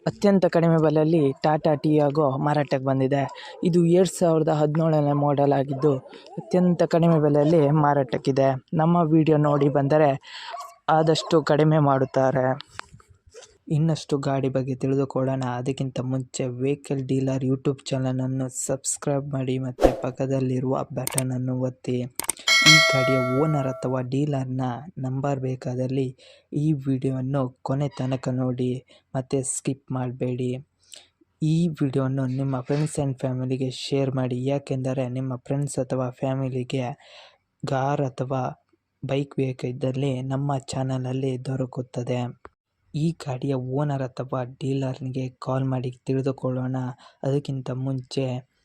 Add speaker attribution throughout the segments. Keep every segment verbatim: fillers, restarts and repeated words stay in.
Speaker 1: ಅತ್ಯಂತ ಕಡಿಮೆ ಬೆಲೆಯಲ್ಲಿ ಟಾಟಾ ಟಿಯಾಗೊ ಮಾರಾಟಕ್ಕೆ ಬಂದಿದೆ. ಇದು ಎರಡು ಸಾವಿರದ ಹದಿನೇಳನೇ ಮಾಡೆಲ್ ಆಗಿದ್ದು ಅತ್ಯಂತ ಕಡಿಮೆ ಬೆಲೆಯಲ್ಲಿ ಮಾರಾಟಕ್ಕಿದೆ. ನಮ್ಮ ವಿಡಿಯೋ ನೋಡಿ ಬಂದರೆ ಆದಷ್ಟು ಕಡಿಮೆ ಮಾಡುತ್ತಾರೆ. ಇನ್ನಷ್ಟು ಗಾಡಿ ಬಗ್ಗೆ ತಿಳಿದುಕೊಳ್ಳೋಣ. ಅದಕ್ಕಿಂತ ಮುಂಚೆ ವೆಹಿಕಲ್ ಡೀಲರ್ ಯೂಟ್ಯೂಬ್ ಚಾನಲನ್ನು ಸಬ್ಸ್ಕ್ರೈಬ್ ಮಾಡಿ ಮತ್ತು ಪಕ್ಕದಲ್ಲಿರುವ ಬಟನನ್ನು ಒತ್ತಿ. ಈ ಗಾಡಿಯ ಓನರ್ ಅಥವಾ ಡೀಲರ್ನ ನಂಬರ್ ಬೇಕಾದಲ್ಲಿ ಈ ವಿಡಿಯೋವನ್ನು ಕೊನೆ ತನಕ ನೋಡಿ ಮತ್ತು ಸ್ಕಿಪ್ ಮಾಡಬೇಡಿ. ಈ ವಿಡಿಯೋವನ್ನು ನಿಮ್ಮ ಫ್ರೆಂಡ್ಸ್ ಆ್ಯಂಡ್ ಫ್ಯಾಮಿಲಿಗೆ ಶೇರ್ ಮಾಡಿ, ಯಾಕೆಂದರೆ ನಿಮ್ಮ ಫ್ರೆಂಡ್ಸ್ ಅಥವಾ ಫ್ಯಾಮಿಲಿಗೆ ಕಾರ್ ಅಥವಾ ಬೈಕ್ ಬೇಕಿದ್ದಲ್ಲಿ ನಮ್ಮ ಚಾನಲಲ್ಲಿ ದೊರಕುತ್ತದೆ. ಈ ಗಾಡಿಯ ಓನರ್ ಅಥವಾ ಡೀಲರ್ನಿಗೆ ಕಾಲ್ ಮಾಡಿ ತಿಳಿದುಕೊಳ್ಳೋಣ. ಅದಕ್ಕಿಂತ ಮುಂಚೆ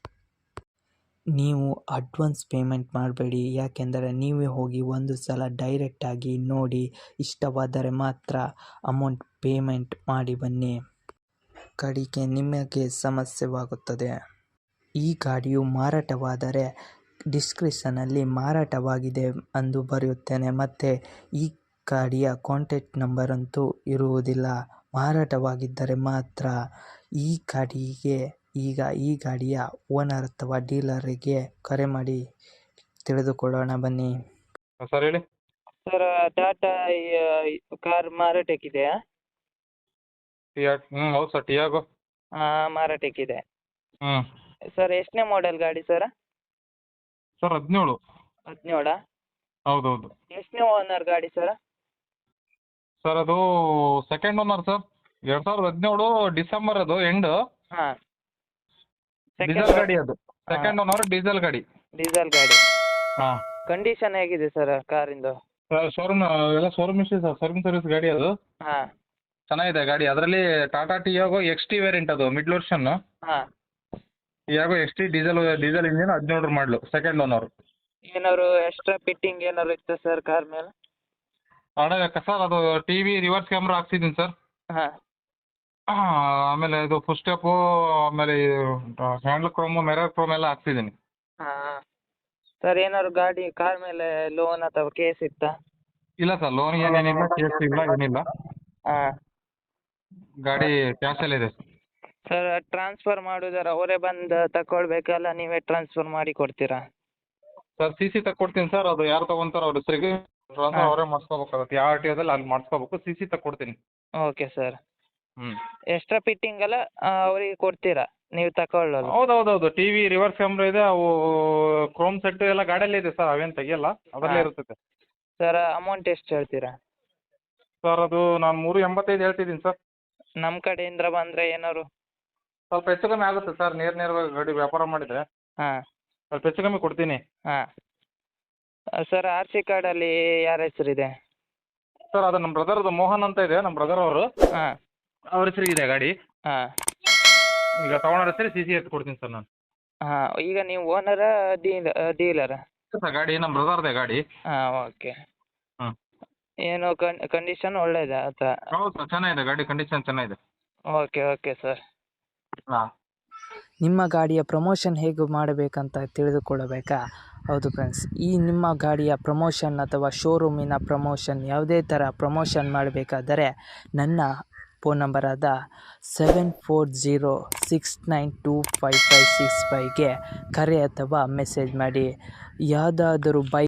Speaker 1: ನೀವು ಅಡ್ವಾನ್ಸ್ ಪೇಮೆಂಟ್ ಮಾಡಬೇಡಿ, ಯಾಕೆಂದರೆ ನೀವೇ ಹೋಗಿ ಒಂದು ಸಲ ಡೈರೆಕ್ಟಾಗಿ ನೋಡಿ ಇಷ್ಟವಾದರೆ ಮಾತ್ರ ಅಮೌಂಟ್ ಪೇಮೆಂಟ್ ಮಾಡಿ ಬನ್ನಿ. ಕಡೆಗೆ ನಿಮಗೆ ಸಮಸ್ಯೆವಾಗುತ್ತದೆ. ಈ ಗಾಡಿಯು ಮಾರಾಟವಾದರೆ ಡಿಸ್ಕ್ರಿಪ್ಷನಲ್ಲಿ ಮಾರಾಟವಾಗಿದೆ ಎಂದು ಬರೆಯುತ್ತೇನೆ ಮತ್ತು ಈ ಗಾಡಿಯ ಕಾಂಟ್ಯಾಕ್ಟ್ ನಂಬರ್ ಅಂತೂ ಇರುವುದಿಲ್ಲ. ಮಾರಾಟವಾಗಿದ್ದರೆ ಮಾತ್ರ. ಈ ಗಾಡಿಗೆ ಈಗ ಈ ಗಾಡಿಯ ಓನರ್ ಅಥವಾ ಡೀಲರಿಗೆ ಕರೆ ಮಾಡಿ ತಿಳಿದುಕೊಳ್ಳೋಣ ಬನ್ನಿ.
Speaker 2: ಸರ್ ಹೇಳಿ.
Speaker 1: ಸರ್, ಟಾಟಾ ಕಾರ್ ಮಾರಾಟಕ್ಕಿದೆಯಾ?
Speaker 2: ಟಿಯಾ ಹ್ಞೂ ಹೌದು ಸರ್, ಟಿಯಾಗೋ
Speaker 1: ಹಾಂ, ಮಾರಾಟಕ್ಕಿದೆ.
Speaker 2: ಹ್ಞೂ
Speaker 1: ಸರ್, ಎಷ್ಟನೇ ಮಾಡೆಲ್ ಗಾಡಿ ಸರ್?
Speaker 2: ಸರ್ ಹದಿನೇಳು.
Speaker 1: ಹದಿನೇಳಾ?
Speaker 2: ಹೌದೌದು
Speaker 1: ಎಷ್ಟನೇ ಓನರ್ ಗಾಡಿ ಸರ್?
Speaker 2: ಸರ್ ಅದು ಸೆಕೆಂಡ್ ಓನರ್ ಸರ್. ಎರಡು ಸಾವಿರದ ಹದಿನೇಳು ಡಿಸೆಂಬರ್ ಅದು ಎಂಡ್.
Speaker 1: ಹಾಂ,
Speaker 2: ಡೀಸೆಲ್ ಗಾಡಿ ಅದು. ಸೆಕೆಂಡ್ ಓನರ್ ಡೀಸೆಲ್ ಗಾಡಿ.
Speaker 1: ಡೀಸೆಲ್ ಗಾಡಿ.
Speaker 2: ಹಾಂ
Speaker 1: ಕಂಡೀಷನ್ ಹೇಗಿದೆ ಸರ್ ಕಾರಿಂದು?
Speaker 2: ಸರ್ ಶೋರೂಮ್ ಎಲ್ಲ ಶೋರೂಮ್ ಇಷ್ಟೇ ಸರ್, ಶೋರೂಮ್ ಸರ್ವಿಸ್ ಗಾಡಿ ಅದು.
Speaker 1: ಹಾಂ
Speaker 2: ಚೆನ್ನಾಗಿದೆ ಗಾಡಿ. ಅದರಲ್ಲಿ Tata Tiago X T variant ಅದು, ಮಿಡ್ ವರ್ಷನ್.
Speaker 1: ಹಾಂ.
Speaker 2: Tiago X T diesel diesel engine, ಹದಿನೇಳರ ಮಾಡಲು, ಸೆಕೆಂಡ್ ಓನರ್.
Speaker 1: ಏನಾದ್ರು ಎಕ್ಸ್ಟ್ರಾ ಫಿಟ್ಟಿಂಗ್ ಏನಾದ್ರು ಇತ್ತು ಸರ್ ಕಾರ್ ಮೇಲೆ?
Speaker 2: ಅಡ ಸರ್ ಅದು ಟಿ ವಿ ರಿವರ್ಸ್ ಕ್ಯಾಮ್ರಾ ಹಾಕ್ಸಿದ್ದೀನಿ ಸರ್.
Speaker 1: ಹಾಂ
Speaker 2: ಆಮೇಲೆ ಇದು ಫುಲ್ ಸ್ಟೆಪ್ಪು, ಆಮೇಲೆ ಹ್ಯಾಂಡ್ಲ್ ಕ್ರೋಮು, ಮಿರರ್ ಕ್ರೋಮ್ ಎಲ್ಲ ಹಾಕ್ಸಿದ್ದೀನಿ.
Speaker 1: ಹಾಂ ಸರ್, ಏನಾದ್ರು ಗಾಡಿ ಕಾರ್ ಮೇಲೆ ಲೋನ್ ಅಥವಾ ಕೇಸ್ ಇತ್ತಾ?
Speaker 2: ಇಲ್ಲ ಸರ್, ಲೋನ್ ಏನೇನಿಲ್ಲ, ಕೇಸ್ ಇಲ್ಲ, ಏನಿಲ್ಲ.
Speaker 1: ಹಾಂ.
Speaker 2: ಗಾಡಿ ಕ್ಯಾಶಲ್ಲಿದೆ.
Speaker 1: ಸರ್, ಟ್ರಾನ್ಸ್ಫರ್ ಮಾಡೋದಾರ ಅವರೇ ಬಂದು ತಗೊಳ್ಬೇಕಲ್ಲ, ನೀವೇ ಟ್ರಾನ್ಸ್ಫರ್ ಮಾಡಿ ಕೊಡ್ತೀರಾ?
Speaker 2: ಸರ್ ಸಿ ಸಿ ತಕ್ಕೊಡ್ತೀನಿ ಸರ್. ಅದು ಯಾರು ತೊಗೊಂತಾರೋ ಅವ್ರ ಹೆಸರಿಗೆ ಟ್ರಾನ್ಸ್ಫರ್ ಅವರೇ ಮಾಡಿಸ್ಕೋಬೇಕಾಗುತ್ತೆ. ಯಾವ ಆರ್ ಟಿ ಓದಲ್ಲಿ ಅಲ್ಲಿ ಮಾಡಿಸ್ಕೋಬೇಕು. ಸಿ ಸಿ ತಕ್ಕೊಡ್ತೀನಿ.
Speaker 1: Okay sir.
Speaker 2: ಹ್ಞೂ
Speaker 1: ಎಕ್ಸ್ಟ್ರಾ ಫಿಟ್ಟಿಂಗ್ ಎಲ್ಲ ಅವರಿಗೆ ಕೊಡ್ತೀರಾ ನೀವು ತಗೊಳ್ಳೋದು?
Speaker 2: ಹೌದು ಹೌದು ಹೌದು ಟಿ ವಿ ರಿವರ್ಸ್ ಕ್ಯಾಮ್ರಾ ಇದೆ, ಅವು ಕ್ರೋಮ್ ಸೆಟ್ ಎಲ್ಲ ಗಾಡಿಯಲ್ಲೇ ಇದೆ ಸರ್, ಅವೇನು ತೆಗಿಯಲ್ಲ, ಅದರಲ್ಲೇ
Speaker 1: ಹಾಂ.
Speaker 2: ಇರ್ತದೆ.
Speaker 1: ಸರ್, ಅಮೌಂಟ್ ಎಷ್ಟು ಹೇಳ್ತೀರಾ?
Speaker 2: ಸರ್ ಅದು ನಾನು ಮೂರು ಎಂಬತ್ತೈದು ಹೇಳ್ತಿದ್ದೀನಿ ಸರ್.
Speaker 1: ನಮ್ಮ ಕಡೆಯಿಂದ ಬಂದರೆ ಏನಾದ್ರು
Speaker 2: ಸ್ವಲ್ಪ ಹೆಚ್ಚು ಕಮ್ಮಿ ಆಗುತ್ತೆ ಸರ್, ನೇರ ನೇರವಾಗಿ ಗಾಡಿ ವ್ಯಾಪಾರ ಮಾಡಿದರೆ
Speaker 1: ಹಾಂ
Speaker 2: ಸ್ವಲ್ಪ ಹೆಚ್ಚು ಕಮ್ಮಿ ಕೊಡ್ತೀನಿ.
Speaker 1: ಹಾಂ. ಸರ್, ಆರ್ ಸಿ ಕಾರ್ಡಲ್ಲಿ ಯಾರ ಹೆಸರಿದೆ?
Speaker 2: ಸರ್ ಅದು ನಮ್ಮ ಬ್ರದರ್ದು, ಮೋಹನ್ ಅಂತ ಇದೆ, ನಮ್ಮ ಬ್ರದರ್ ಅವರು.
Speaker 1: ಹಾಂ
Speaker 2: ಅವ್ರ ಹೆಸರಿಗಿದೆ ಗಾಡಿ.
Speaker 1: ಹಾಂ
Speaker 2: ಈಗ ತೊಗೊಂಡ್ರ ಹೆಸರು ಸಿ ಸಿ ಎತ್ತು ಕೊಡ್ತೀನಿ ಸರ್ ನಾನು.
Speaker 1: ಹಾಂ. ಈಗ ನೀವು ಓನರಾ ಡೀಲ ಡೀಲರಾ?
Speaker 2: ಸರ್ ಗಾಡಿ ನಮ್ಮ ಬ್ರದರ್ದೇ ಗಾಡಿ.
Speaker 1: ಹಾಂ, ಓಕೆ.
Speaker 2: ಹಾಂ.
Speaker 1: ಏನು ಕನ್ ಕಂಡೀಷನ್ ಒಳ್ಳೇದಾ ಆತ?
Speaker 2: ಹೌದು ಸರ್, ಚೆನ್ನಾಗಿದೆ ಗಾಡಿ, ಕಂಡೀಷನ್ ಚೆನ್ನಾಗಿದೆ.
Speaker 1: Okay okay sir.
Speaker 2: ಹಾಂ.
Speaker 1: ನಿಮ್ಮ ಗಾಡಿಯ ಪ್ರಮೋಷನ್ ಹೇಗೆ ಮಾಡಬೇಕಂತ ತಿಳಿದುಕೊಳ್ಳಬೇಕಾ? ಹೌದು ಫ್ರೆಂಡ್ಸ್, ಈ ನಿಮ್ಮ ಗಾಡಿಯ ಪ್ರಮೋಷನ್ ಅಥವಾ ಶೋರೂಮಿನ ಪ್ರಮೋಷನ್ ಯಾವುದೇ ಥರ ಪ್ರಮೋಷನ್ ಮಾಡಬೇಕಾದರೆ ನನ್ನ ಫೋನ್ ನಂಬರಾದ seven four zero six nine two five five six ಫೈವ್ಗೆ ಕರೆ ಅಥವಾ ಮೆಸೇಜ್ ಮಾಡಿ. ಯಾವುದಾದರೂ ಬೈಕ್